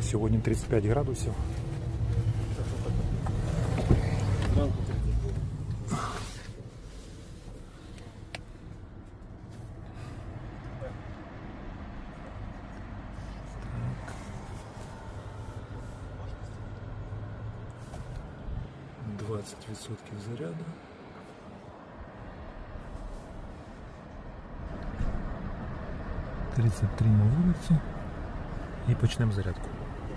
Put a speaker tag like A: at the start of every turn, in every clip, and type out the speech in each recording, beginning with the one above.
A: Сьогодні 35 градусів.
B: Зранку 30 було.
A: Так. 20% заряду. «33 на вулиці. І почнемо зарядку.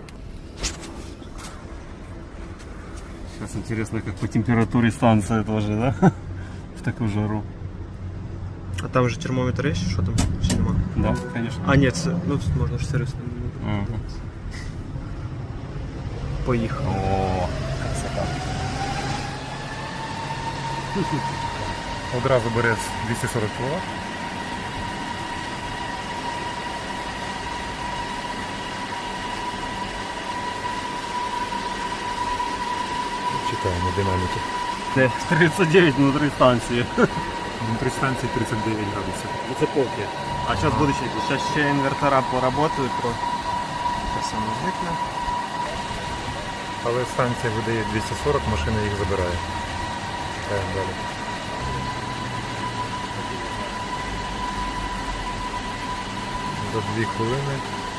B: Сейчас интересно, как по температуре станция тоже, да? В такую жару.
C: А там же термометр есть, что там? Чи нема?
B: Да, конечно.
C: А, нет, ну тут можно же сервисно.
B: Ага.
C: Поїхав.
B: О, красота.
A: Одразу бере 240 кВт. Читаємо динаміки.
B: 39 внутри станции.
A: Внутрі станції 39 градусів.
B: Это полки. А сейчас буду ще. Сейчас ще инвертора поработают.
C: Те саме звикне.
A: Але станція видає 240, машина їх забирає. Далі. За 2 хвилини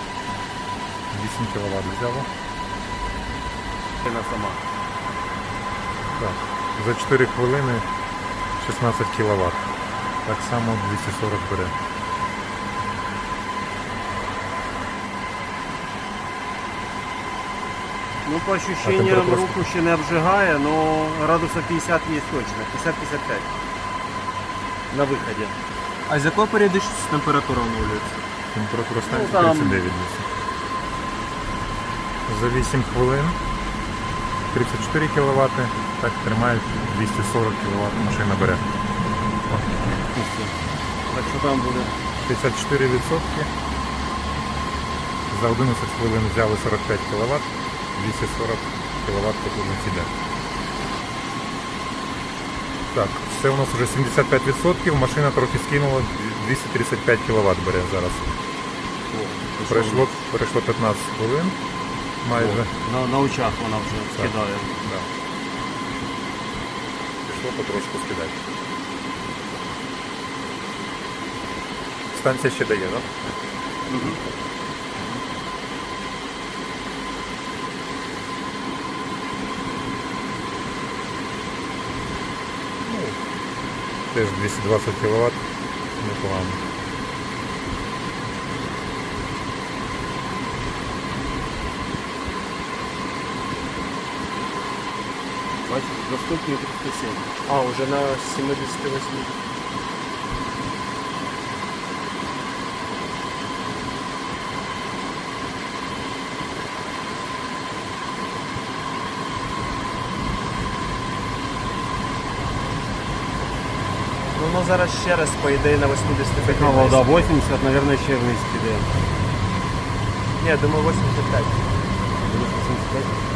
A: 8 кВт взяло.
B: Она сама.
A: Так. За 4 хвилини 16 кВт. Так само 240 бере.
B: Ну, по ощущениям,
A: температура
B: руку ще не обжигає, но градусов 50 есть точно. 50-55 на выходе.
C: А з якої періодичності температура оновлюється?
A: Температура станції
B: Ну, там-
A: 39 десь. За 8 хвилин 34 кВт, так тримає 240 кВт, машина бере.
B: Так що там буде?
A: 54%. За 11 хвилин взяли 45 кВт, 240 кВт потужність іде. Так, це у нас вже 75%, машина трохи скинула, 235 кВт бере зараз. Пройшло 15 хвилин майже.
B: На очах вона вже скидає.
A: Да. Пішло потрошку скидати. Станція ще дає, так? Да?
B: Угу.
A: Теж 220 кВт, непогано.
B: Бачиш, доступні 307.
C: А, уже на 78. Ну, воно зараз ще раз, по ідеї, на 85.
B: Ну, да, 80, наверное, ще вниз піде.
C: Ні, думаю, 85.
B: 85.